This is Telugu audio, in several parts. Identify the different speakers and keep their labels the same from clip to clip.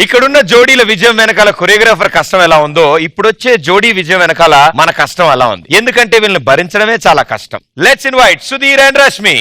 Speaker 1: ఇక్కడున్న జోడీల విజయం వెనకాల కొరియోగ్రాఫర్ కష్టం ఎలా ఉందో ఇప్పుడు వచ్చే జోడీ విజయం వెనకాల మన కష్టం అలా ఉంది. ఎందుకంటే వీళ్ళని భరించడమే చాలా కష్టం. Let's invite Sudheer and Rashmi.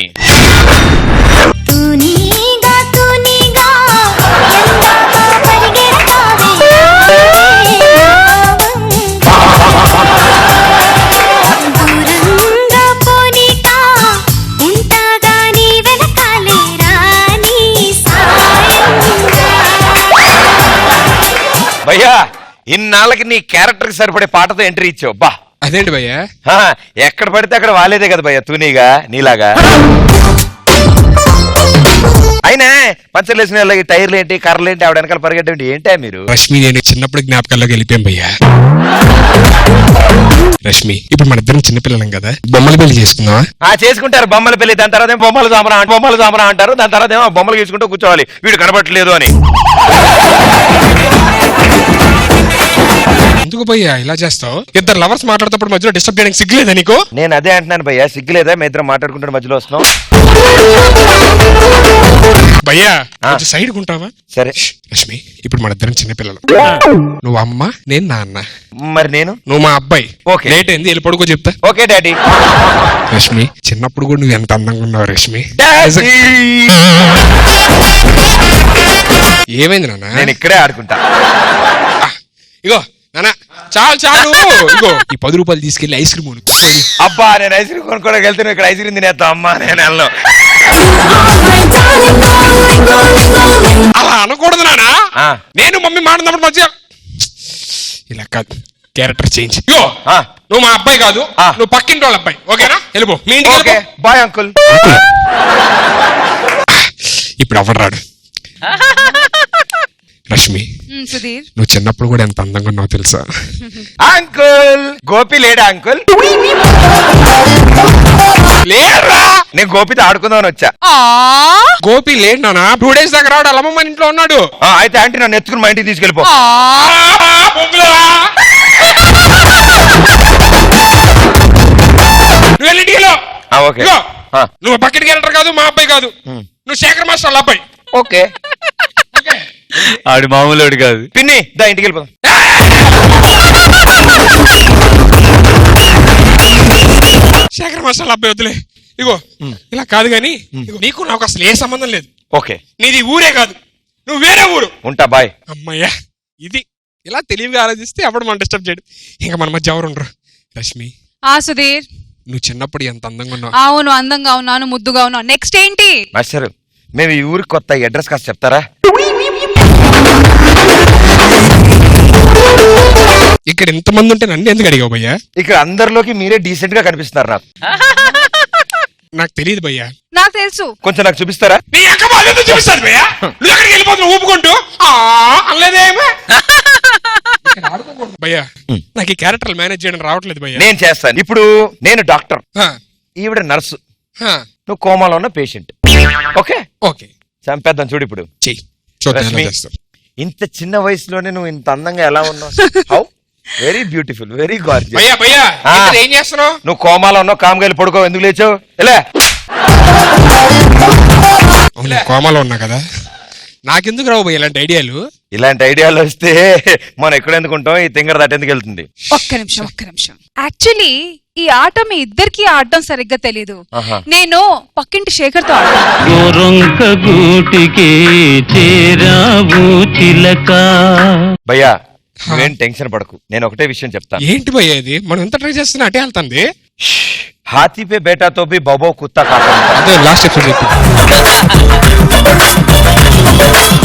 Speaker 1: భయ్యా ఇన్నాళ్ళకి నీ క్యారెక్టర్ కి సరిపడే పాటతో ఎంట్రీ ఇచ్చావు. బా
Speaker 2: అదేంటి భయ్యా,
Speaker 1: ఎక్కడ పడితే అక్కడ వాలేదే కదా భయ్యా తూనీగా నీలాగా. అయినా పంచర్లు వేసిన వాళ్ళకి టైర్లు ఏంటి కర్రలు ఏంటి ఆవిడ వెనకాల పరిగెట్టేంటి ఏంటా మీరు?
Speaker 2: రష్మి నేను చిన్నప్పుడు జ్ఞాపకాల్లోకి వెళ్ళిపోయాం భయ్యా. రష్మి ఇప్పుడు మన ఇద్దరం చిన్నపిల్లలం కదా, బొమ్మల పెళ్లి చేసుకుందామా?
Speaker 1: చేసుకుంటారు బొమ్మల పెళ్లి. దాని తర్వాత బొమ్మలు సామరా అంటారు. దాని తర్వాత ఏమో బొమ్మలు గీసుకుంటూ కూర్చోవాలి వీడు కనబట్టలేదు అని.
Speaker 2: ఎందుకు భయ్యా ఇలా చేస్తావు? ఇద్దరు లవర్స్ మాట్లాడేటప్పుడు మధ్యలో డిస్టర్బ్ చేయడానికి సిగ్గులేదా నీకు?
Speaker 1: నేను అదే అంటున్నాను భయ్యా, సిగ్గులేదా? మీ ఇద్దరు మాట్లాడుకుంటే మధ్యలో వస్తున్నాం.
Speaker 2: భయ్యా కొంచెం సైడ్ ఉంటావా?
Speaker 1: సరే
Speaker 2: రష్మి ఇప్పుడు మన ఇద్దరం చిన్నపిల్లలు. నువ్వు అమ్మ నేను నాన్న.
Speaker 1: మరి నేను?
Speaker 2: నువ్వు మా అబ్బాయి.
Speaker 1: ఓకే
Speaker 2: లేట్ అయింది వెళ్ళి పడుకో చెప్తా.
Speaker 1: Okay daddy.
Speaker 2: రష్మి చిన్నప్పుడు కూడా నువ్వు ఎంత అందంగా ఉన్నావు రష్మి. ఏమైంది నాన్న?
Speaker 1: నేను ఇక్కడే ఆడుకుంటా.
Speaker 2: ఇగో నాన్న చాలు చాలు. ఇగో ఈ 10 రూపాయలు తీసుకెళ్లి ఐస్ క్రీమ్ కొనుక్కో.
Speaker 1: అబ్బా నేను ఐస్ క్రీమ్ కొనుక్కోడానికి వెళ్తున్నా, ఇక్కడ ఐస్ క్రీమ్ తినేస్తా. అమ్మా నేను వెళ్ళను.
Speaker 2: అలా అనకూడదు నాన్న. నేను మమ్మీ మాట్లాడినప్పుడు మధ్య ఇలా కాదు, క్యారెక్టర్ చేంజ్. ఇగో నువ్వు మా అబ్బాయి కాదు, నువ్వు పక్కింటి వాళ్ళ అబ్బాయి. ఓకేనా? వెళ్ళిపో మీ ఇంటికి.
Speaker 1: Bye uncle.
Speaker 2: ఇప్పుడు ఎవరు రాడు. రష్మి
Speaker 3: సుధీర్
Speaker 2: నువ్వు చిన్నప్పుడు కూడా ఎంత అందంగా ఉన్నావు తెలుసా?
Speaker 1: అంకుల్ గోపి లేడా అంకుల్?
Speaker 2: లేరా?
Speaker 1: నేను గోపితో ఆడుకుందామని వచ్చా.
Speaker 2: గోపి లేడు నాన్న, 2 days దాకా రాడు. అలమ్మ మన ఇంట్లో ఉన్నాడు.
Speaker 1: అయితే ఆంటీ నన్ను ఎత్తుకుని మా ఇంటికి తీసుకెళ్ళిపో.
Speaker 2: నువ్వు వెళ్ళి ఇంటికి.
Speaker 1: ఓకే
Speaker 2: నువ్వు బకెట్ క్యారెక్టర్ కాదు, మా అబ్బాయి కాదు, నువ్వు శేఖర్ మాస్టర్ వాళ్ళ అబ్బాయి.
Speaker 1: ఓకే ఆడు మామూలు కాదు. పిన్ని దా ఇంటికి వెళ్ళిపోదాం.
Speaker 2: శేఖర్ మాస్టర్ వాళ్ళ అబ్బాయి వద్దులే. ఇగో ఇలా కాదు గాని నీకు నాకు అసలు ఏ సంబంధం లేదు.
Speaker 1: ఓకే
Speaker 2: నీది ఊరే కాదు, నువ్వు వేరే ఊరు.
Speaker 1: ఉంటా బాయ్.
Speaker 2: అమ్మయ్యా ఇది ఇలా తెలివిగా ఆలోచిస్తే అప్పుడు మనం డిస్టర్బ్ చేయడు. ఇంకా మన మధ్య ఎవరు ఉండరు. రష్మి
Speaker 3: సుధీర్
Speaker 2: నువ్వు చిన్నప్పుడు ఎంత అందంగా ఉన్నావు.
Speaker 3: అవును అందంగా ఉన్నాను, ముద్దుగా ఉన్నాను. నెక్స్ట్ ఏంటి?
Speaker 1: మాస్టర్ మేము ఈ ఊరికి కొత్త, అడ్రస్ కాస్త చెప్తారా?
Speaker 2: ఇక్కడ ఇంతమంది ఉంటే నన్ను ఎందుకు అడిగావు భయ్యా?
Speaker 1: ఇక్కడ అందరిలోకి మీరే డీసెంట్ గా కనిపిస్తున్నారు నాకు.
Speaker 2: నాకు తెలియదు భయ్యా.
Speaker 3: నాకు తెలుసు.
Speaker 1: కొంచెం నాకు చూపిస్తారా?
Speaker 2: చూపిస్తాను భయ్యా. నువ్వు ఎక్కడికి వెళ్ళిపోతున్నావు ఊపుకుంటూ? అనలేదేమో భయ్యా. నాకు ఈ క్యారెక్టర్ మేనేజ్ చేయడం రావట్లేదు భయ్యా.
Speaker 1: నేను చేస్తాను. ఇప్పుడు నేను డాక్టర్, ఈవిడ నర్సు, నువ్వు కోమాలో ఉన్న పేషెంట్. ఓకే
Speaker 2: ఓకే
Speaker 1: చంపేద్దాం. చూడు ఇప్పుడు
Speaker 2: చెయ్యి.
Speaker 1: ఇంత చిన్న వయసులోనే నువ్వు ఇంత అందంగా ఎలా ఉన్నావు? How very beautiful, very gorgeous.
Speaker 2: భయ్యా భయ్యా ఏం చేస్తున్నావు?
Speaker 1: నువ్వు కోమాలో ఉన్నావు, కామ్గా వెళ్ళి పడుకో. ఎందుకు లేచావు? ఎలా
Speaker 2: కోమాలో ఉన్నా కదా, నాకెందుకు రావు భయ్యా ఇలాంటి ఐడియాలు?
Speaker 1: ఇలాంటి ఐడియాలు వస్తే మనం ఎక్కడ ఎందుకుంటాం? ఈ తింగర దాటి ఎందుకు వెళ్తుంది?
Speaker 3: ఒక్క నిమిషం. యాక్చువల్లీ ఈ ఆట మీ ఇద్దరికి ఆడడం సరిగ్గా తెలీదు. నేను పక్కింటి శేఖర్ తో
Speaker 1: భయ్యా నువ్వేం టెన్షన్ పడకు, నేను ఒకటే విషయం చెప్తాను.
Speaker 2: ఏంటి భయ్యా ఇది? మనం ఎంత ట్రై చేస్తున్నా అటే వెళ్తుంది.
Speaker 1: హాతీ పే బేటాతో బి బబో కుత్తా కాక.
Speaker 2: అదే లాస్ట్ ఎపిసోడ్ చెప్పి